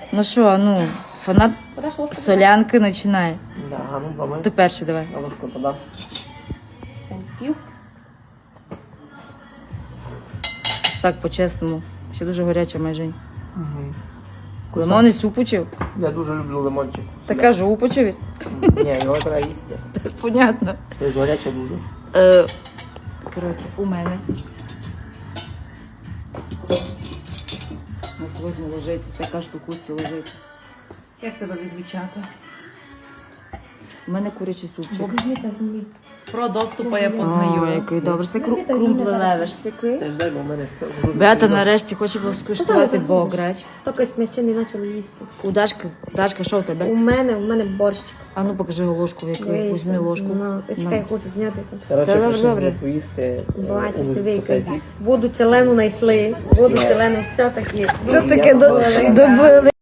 Ну що, ну, фанат Подаш ложку? солянки починає. Да, а ну помий. Ти перший давай. На ложку подав. П'ю. Так, по-чесному. Ще дуже гаряча майже. Угу. Лимонний суп учив? Я дуже люблю лимончик. Та кажу, упочив. Ні, його треба їсти. Понятно. Це гаряче дуже. Коротше, у мене. На сьогодні лежить, всяка штукусті лежить. Як тебе відмічати? У мене курячий супчик. Про доступу я О, який добре. Це крумплелевиш. Теж дай, бо в мене Беата нарешті хоче скуштувати бограч. Тільки ми не почали їсти. У Дашка, що у тебе? У мене борщик. А ну покажи ложку, в яку. Візьми ложку. Чекай, хочу зняти. Коротше, Та прийшли добре. поїсти. Бачиш, у диви, кафе. воду челену знайшли. Воду челену все-таки. Все-таки добили.